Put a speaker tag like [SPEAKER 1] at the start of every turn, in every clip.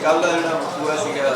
[SPEAKER 1] ਕੱਲ੍ਹ ਦਾ ਜਿਹੜਾ ਪੂਰਾ ਸੀਗਾ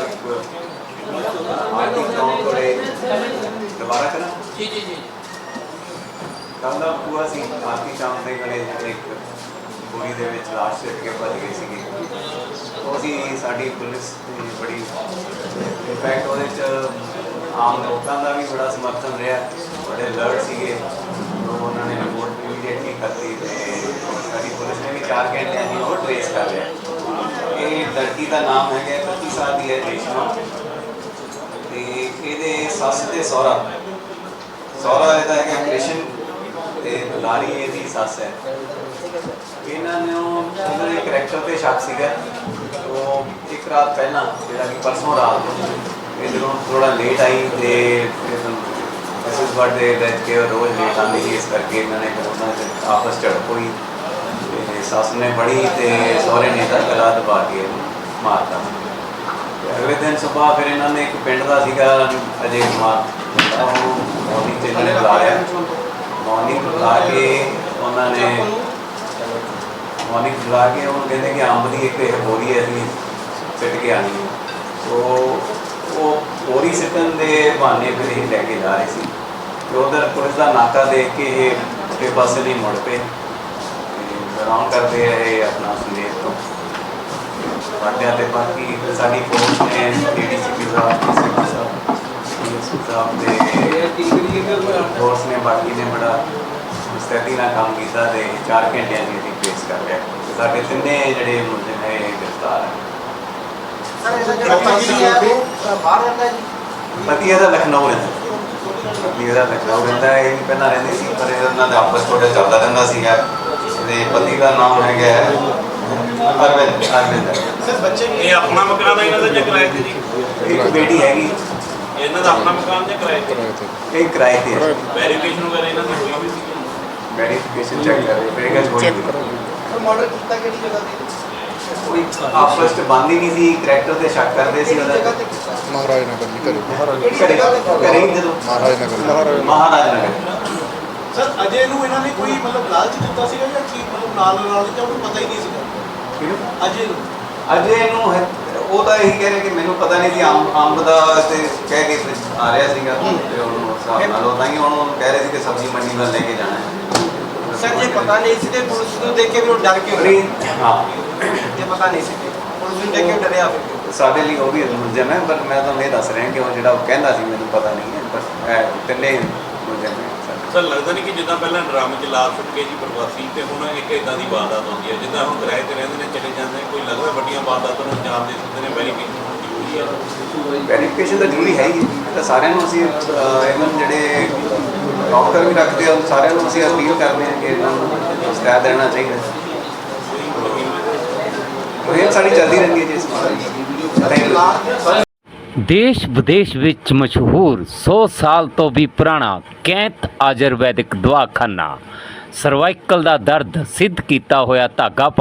[SPEAKER 1] ਆਰਥਿਕ ਚੌਂਕ ਕੋਲੇ ਦੁਬਾਰਾ ਕਰਾਂ
[SPEAKER 2] ਜੀ ਜੀ ਜੀ
[SPEAKER 1] ਕੱਲ੍ਹ ਦਾ ਪੂਰਾ ਸੀ ਆਰਥਿਕ ਚੌਂਕ ਦੇ ਕੋਲੇ ਇੱਕ ਗੋਲੀ ਦੇ ਵਿੱਚ ਲਾਸ਼ ਸਿੱਟ ਕੇ ਭੱਜ ਗਈ ਸੀਗੀ। ਉਹ ਸੀ ਸਾਡੀ ਪੁਲਿਸ ਦੀ ਬੜੀ ਇਨਫੈਕਟ ਉਹਦੇ 'ਚ ਆਮ ਲੋਕਾਂ ਦਾ ਵੀ ਬੜਾ ਸਮਰਥਨ ਰਿਹਾ, ਬੜੇ ਅਲਰਟ ਸੀਗੇ। ਉਹਨਾਂ ਨੇ ਰਿਪੋਰਟ ਇਮੀਡੀਏਟਲੀ ਕਰਤੀ ਅਤੇ ਸਾਡੀ ਪੁਲਿਸ ਨੇ ਵੀ 4 ਘੰਟਿਆਂ ਦੀ ਉਹ ਟਰੇਸ ਕਰ ਲਿਆ। ਇਹ ਲੜਕੀ ਦਾ ਨਾਮ ਹੈਗਾ 31 ਸਾਲ ਦੀ ਹੈ ਰੇਸ਼ਮਾ, ਅਤੇ ਇਹਦੇ ਸੱਸ ਅਤੇ ਸਹੁਰਾ ਇਹਦਾ ਹੈਗਾ ਕ੍ਰਿਸ਼ਨ ਅਤੇ ਲਾਰੀ ਇਹਦੀ ਸੱਸ ਹੈ। ਇਹਨਾਂ ਦੇ ਕਰੈਕਟਰ 'ਤੇ ਸ਼ੱਕ ਸੀਗਾ। ਉਹ ਇੱਕ ਰਾਤ ਪਹਿਲਾਂ ਜਿਹੜਾ ਕਿ ਪਰਸੋਂ ਰਾਤ ਇਹ ਜਦੋਂ ਥੋੜ੍ਹਾ ਲੇਟ ਆਈ ਅਤੇ ਮੈਸੇਜ ਬਰਥਡੇ ਲੈ ਕੇ ਰੋਜ਼ ਲੇਟ ਆਉਂਦੀ ਸੀ, ਇਸ ਕਰਕੇ ਇਹਨਾਂ ਨੇ ਉਹਨਾਂ 'ਚ ਆਪਸ ਝੜਪ ਹੋਈ ਅਤੇ ਸੱਸ ਨੇ ਫੜੀ ਅਤੇ ਸਹੁਰੇ ਨੇ ਇਹਦਾ ਗਲਾ ਦਬਾ ਕੇ ਮਾਰਤਾ। ਅਗਲੇ ਦਿਨ ਸੁਬਾਹ ਫਿਰ ਇਹਨਾਂ ਨੇ ਇੱਕ ਪਿੰਡ ਦਾ ਸੀਗਾ ਅਜੇ ਕੁਮਾਰ, ਉਹ ਮੋਰਨਿੰਗ 'ਚ ਇਹਨਾਂ ਨੇ ਬੁਲਾਇਆ। ਮੋਰਨਿੰਗ ਬੁਲਾ ਕੇ ਉਹਨੂੰ ਕਹਿੰਦੇ ਕਿ ਅੰਬ ਦੀ ਇੱਕ ਬੋਰੀ ਅਸੀਂ ਸਿੱਟ ਕੇ ਆਉਣੀ ਹੈ। ਸੋ ਉਹ ਬੋਰੀ ਸਿੱਟਣ ਦੇ ਬਹਾਨੇ ਫਿਰ ਇਹ ਲੈ ਕੇ ਜਾ ਰਹੇ ਸੀ ਅਤੇ ਉੱਧਰ ਪੁਲਿਸ ਦਾ ਨਾਕਾ ਦੇਖ ਕੇ ਇਹ ਪੁੱਠੇ ਪਾਸੇ ਨਹੀਂ ਮੁੜ ਪਏ। ਰਾਉਂਡ ਕਰਦੇ ਰਹੇ ਆਪਣਾ ਸੰਦੇਸ਼ ਤੋਂ ਵਾਟਿਆ। ਅਤੇ ਬਾਕੀ ਸਾਡੀ ਫੋਰਸ ਨੇ ADCP ਸਾਹਿਬ ਦੇ ਫੋਰਸ ਨੇ ਬਾਕੀ ਨੇ ਬੜਾ ਮੁਸਤੈਦੀ ਨਾਲ ਕੰਮ ਕੀਤਾ ਅਤੇ 4 ਘੰਟਿਆਂ ਦੀ ਅਸੀਂ ਫੇਸ ਕਰ ਲਿਆ। ਸਾਡੇ ਤਿੰਨੇ ਜਿਹੜੇ ਮੁਲਜ਼ਮ ਹੈ ਇਹ ਗ੍ਰਿਫਤਾਰ ਹੈ। ਪਤੀ ਇਹਦਾ ਲਖਨਊ ਰਹਿੰਦਾ। ਇਹ ਵੀ ਪਹਿਲਾਂ ਰਹਿੰਦੇ ਸੀ, ਪਰ ਇਹਨਾਂ ਦਾ ਆਪਸ ਥੋੜ੍ਹਾ ਚੱਲਦਾ ਰਹਿੰਦਾ ਸੀਗਾ। ਇਹਦੇ ਪਤੀ ਦਾ ਨਾਮ ਹੈਗਾ ਅਰਵਿੰਦ।
[SPEAKER 2] ਇਹ ਆਪਣਾ ਮਕਾਨ ਹੈ ਇਹਨਾਂ ਦਾ ਜਾਂ ਕਿਰਾਏ ਤੇ ਜੀ?
[SPEAKER 1] ਇੱਕ ਬੇਟੀ ਹੈਗੀ।
[SPEAKER 2] ਇਹਨਾਂ ਦਾ ਆਪਣਾ ਮਕਾਨ ਜਾਂ ਕਿਰਾਏ ਤੇ?
[SPEAKER 1] ਇਹ ਕਿਰਾਏ ਤੇ ਹੈ।
[SPEAKER 2] ਵੈਰੀਫਿਕੇਸ਼ਨ ਵਗੈਰਾ ਇਹਨਾਂ ਦੀ ਹੋਈ ਵੀ ਸੀ?
[SPEAKER 1] ਵੈਰੀਫਿਕੇਸ਼ਨ ਚੈੱਕ ਕਰ ਰਹੇ
[SPEAKER 3] ਮਾਡਲ ਕੀਤਾ ਕਿਹੜੀ ਜਗ੍ਹਾ ਤੇ?
[SPEAKER 1] ਕੋਈ ਆਪਸ 'ਚ ਬੰਦ ਹੀ ਨਹੀਂ ਸੀ, ਕਰੈਕਟਰ 'ਤੇ ਸ਼ੱਕ ਕਰਦੇ ਸੀ ਉਹਦਾ।
[SPEAKER 4] ਮਹਾਰਾਜ ਨਗਰ ਨਹੀਂ ਕਰੇ
[SPEAKER 1] ਘਰੇ ਹੀ ਜਦੋਂ ਮਹਾਰਾਜ ਨਗਰ।
[SPEAKER 3] ਸਰ ਅਜੇ ਨੂੰ ਇਹਨਾਂ ਨੇ ਕੋਈ ਮਤਲਬ ਲਾਲਚ ਦਿੱਤਾ ਸੀਗਾ ਜਾਂ ਕੀ ਮਤਲਬ ਨਾਲ ਜਾਂ ਉਹਨੂੰ ਪਤਾ ਹੀ ਨਹੀਂ ਸੀਗਾ ਅਜੇ ਨੂੰ?
[SPEAKER 1] ਅਜੇ ਨੂੰ ਉਹ ਤਾਂ ਇਹੀ ਕਹਿ ਰਿਹਾ ਕਿ ਮੈਨੂੰ ਪਤਾ ਨਹੀਂ ਸੀ ਅੰਬ ਦਾ ਤੇ ਕਹਿ ਕੇ ਆ ਰਿਹਾ ਸੀਗਾ ਤੇ ਉਹਨੂੰ ਹਿਸਾਬ ਨਾਲ ਉਹ ਤਾਂ ਹੀ ਉਹਨੂੰ ਕਹਿ ਰਹੇ ਸੀ ਕਿ ਸਬਜ਼ੀ ਮੰਡੀ ਵੱਲ ਲੈ ਕੇ ਜਾਣਾ ਹੈ।
[SPEAKER 3] ਸਰ ਜੇ ਪਤਾ ਨਹੀਂ ਸੀ ਤੇ ਪੁਲਿਸ ਨੂੰ ਦੇਖ ਕੇ ਵੀ ਉਹ ਡਰ ਕੇ
[SPEAKER 1] ਹਾਂ
[SPEAKER 3] ਜੇ ਪਤਾ ਨਹੀਂ ਸੀ ਪੁਲਿਸ ਨੂੰ ਦੇਖ ਕੇ ਡਰਿਆ ਫਿਰ
[SPEAKER 1] ਸਾਡੇ ਲਈ ਉਹ ਵੀ ਮੁਲਜ਼ਮ ਹੈ, ਪਰ ਮੈਂ ਤੁਹਾਨੂੰ ਇਹ ਦੱਸ ਰਿਹਾ ਕਿ ਉਹ ਜਿਹੜਾ ਉਹ ਕਹਿੰਦਾ ਸੀ ਮੈਨੂੰ ਪਤਾ ਨਹੀਂ ਹੈ, ਬਸ ਤਿੰਨੇ ਮੁਲਜ਼ਮ ਹੈ।
[SPEAKER 2] ਸਰ ਲੱਗਦਾ ਨਹੀਂ ਕਿ ਜਿੱਦਾਂ ਪਹਿਲਾਂ ਡਰਾਮੇ 'ਚ ਲਾ ਸੁੱਟ ਕੇ ਜੀ ਪ੍ਰਵਾਸੀ ਤੇ ਹੁਣ ਇੱਕ ਇੱਦਾਂ ਦੀ ਵਾਰਦਾਤ ਹੁੰਦੀ ਹੈ, ਜਿੱਦਾਂ ਹੁਣ ਕਿਰਾਏ ਤੇ ਰਹਿੰਦੇ ਨੇ ਚਲੇ ਜਾਂਦੇ ਨੇ, ਕੋਈ ਲੱਗਦਾ ਵੱਡੀਆਂ ਵਾਰਦਾਤਾਂ ਨੂੰ ਅੰਜਾਮ ਦੇ ਸਕਦੇ ਨੇ।
[SPEAKER 1] ਵੈਰੀਫਿਕੇਸ਼ਨ ਤਾਂ ਜ਼ਰੂਰੀ ਹੈ ਹੀ ਤਾਂ ਸਾਰਿਆਂ ਨੂੰ ਅਸੀਂ ਇਵਨ ਜਿਹੜੇ ਡਾਕਟਰ ਵੀ ਰੱਖਦੇ ਆ ਸਾਰਿਆਂ ਨੂੰ ਅਸੀਂ ਅਪੀਲ ਕਰਦੇ ਹਾਂ ਕਿ ਇਹਨਾਂ ਨੂੰ ਮੁਸਤੈਦ ਰਹਿਣਾ ਚਾਹੀਦਾ। ਇਹ ਸਾਡੀ ਚੱਲਦੀ ਰਹਿੰਦੀ ਹੈ ਜੀ ਇਸ ਮਾਮਲੇ।
[SPEAKER 5] ਦੇਸ਼ ਵਿਦੇਸ਼ ਵਿੱਚ ਮਸ਼ਹੂਰ 100 ਸਾਲ ਤੋਂ ਵੀ ਪੁਰਾਣਾ ਕੈਂਤ ਆਯੁਰਵੈਦਿਕ ਦਵਾਖਾਨਾ ਸਰਵਾਈਕਲ ਦਾ ਦਰਦ ਸਿੱਧ ਕੀਤਾ ਹੋਇਆ ਧਾਗਾ